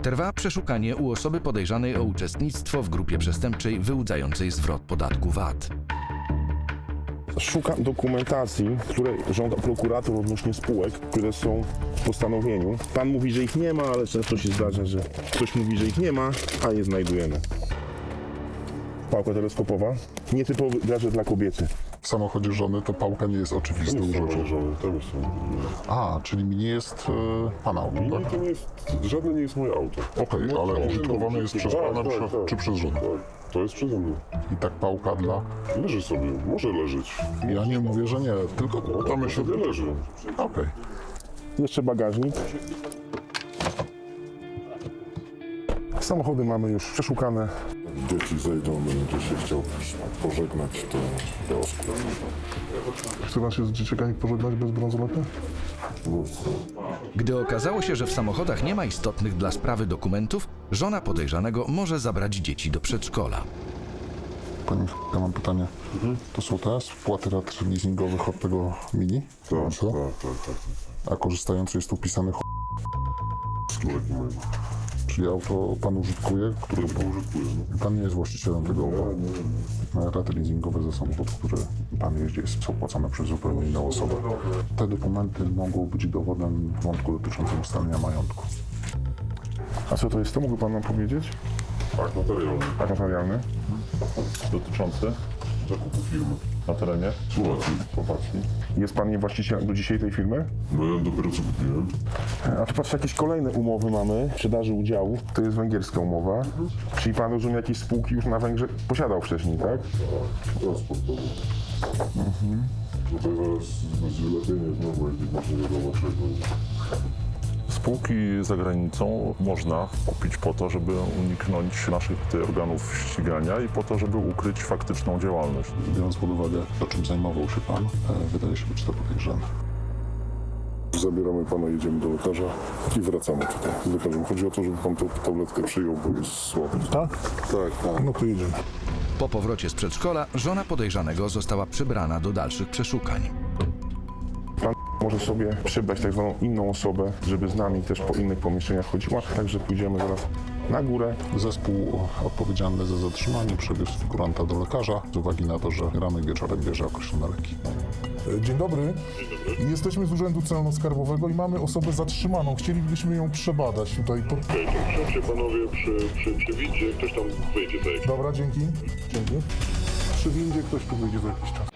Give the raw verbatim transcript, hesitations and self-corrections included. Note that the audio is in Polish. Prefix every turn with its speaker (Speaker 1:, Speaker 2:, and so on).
Speaker 1: Trwa przeszukanie u osoby podejrzanej o uczestnictwo w grupie przestępczej wyłudzającej zwrot podatku V A T.
Speaker 2: Szukam dokumentacji, które żąda prokurator odnośnie spółek, które są w postanowieniu. Pan mówi, że ich nie ma, ale często się zdarza, że ktoś mówi, że ich nie ma, a je znajdujemy. Pałka teleskopowa. Nietypowy gadżet dla kobiety.
Speaker 3: W samochodzie żony to pałka nie jest oczywistą rzeczą.
Speaker 4: Żony, tego są.
Speaker 3: A, czyli mi nie jest e, pana auto,
Speaker 4: Nie,
Speaker 3: tak?
Speaker 4: to nie jest, żadne nie jest moje auto.
Speaker 3: Okej, ale użytkowane jest przez
Speaker 4: Tak,
Speaker 3: pana
Speaker 4: tak,
Speaker 3: prze,
Speaker 4: tak.
Speaker 3: czy przez żonę?
Speaker 4: Tak, to jest przeze mnie.
Speaker 3: I tak pałka dla...
Speaker 4: Leży sobie, może leżeć.
Speaker 3: Ja nie mówię, że nie, tylko pytamy się...
Speaker 4: Sobie leży.
Speaker 3: Okej.
Speaker 2: Jeszcze bagażnik. Samochody mamy już przeszukane.
Speaker 4: Dzieci zejdą, będzie się chciał pożegnać, to kiosku.
Speaker 5: Chce pan się z dzieciakami pożegnać bez bransolety?
Speaker 1: Gdy okazało się, że w samochodach nie ma istotnych dla sprawy dokumentów, żona podejrzanego może zabrać dzieci do przedszkola.
Speaker 3: Pani, ja mam pytanie. To są te spłaty rat leasingowych od tego Mini?
Speaker 4: Tak,
Speaker 3: Co?
Speaker 4: tak, tak, tak, tak.
Speaker 3: A korzystający jest tu pisany ch...
Speaker 4: Skórek mają.
Speaker 3: Czyli auto pan użytkuje, które...
Speaker 4: Ja to użytkuję. No.
Speaker 3: Pan nie jest właścicielem tego auta.
Speaker 4: Nie, nie.
Speaker 3: Raty leasingowe za samochód, który pan jeździ, jest opłacane przez zupełnie inną osobę. Te dokumenty mogą być dowodem w wątku dotyczącym ustalenia majątku.
Speaker 2: A co to jest? To mógłby pan nam powiedzieć?
Speaker 4: Tak, materiał.
Speaker 2: Akt notarialny.
Speaker 6: Dotyczący
Speaker 4: Zakupu firmy.
Speaker 6: na terenie.
Speaker 4: Słowacji, Słowacji.
Speaker 2: Jest pan nie właścicielem do dzisiaj tej firmy?
Speaker 4: No ja dopiero co kupiłem.
Speaker 2: A tu patrzę, jakieś kolejne umowy mamy, sprzedaży udziałów. To jest węgierska umowa. Czyli pan, rozumie, jakieś spółki już na Węgrzech posiadał wcześniej, tak?
Speaker 4: Transportowy. Mhm. Tutaj zaraz będzie lepiej znowu, jak właśnie nie wiadomo czego.
Speaker 6: Spółki za granicą można kupić po to, żeby uniknąć naszych tutaj organów ścigania i po to, żeby ukryć faktyczną działalność.
Speaker 3: Biorąc pod uwagę to, czym zajmował się pan, e, wydaje się być to podejrzane.
Speaker 4: Zabieramy pana, jedziemy do lekarza i wracamy tutaj z lekarzem. Chodzi o to, żeby pan tą tabletkę przyjął, bo jest słaby.
Speaker 2: Tak?
Speaker 4: Tak, tak.
Speaker 2: No to jedziemy.
Speaker 1: Po powrocie z przedszkola żona podejrzanego została przybrana do dalszych przeszukań.
Speaker 2: Pan może sobie przybrać tak zwaną inną osobę, żeby z nami też po innych pomieszczeniach chodziła. Także pójdziemy zaraz na górę.
Speaker 3: Zespół odpowiedzialny za zatrzymanie przewiózł figuranta do lekarza z uwagi na to, że rano i wieczorem bierze określone leki.
Speaker 5: Dzień dobry. Jesteśmy z Urzędu Celno-Skarbowego i mamy osobę zatrzymaną. Chcielibyśmy ją przebadać tutaj. Po...
Speaker 4: Siądźcie panowie przy, przy, przy windzie, ktoś tam wyjdzie za
Speaker 5: Dobra, dzięki. Dzięki. Przy windzie ktoś tu wyjdzie za jakiś czas.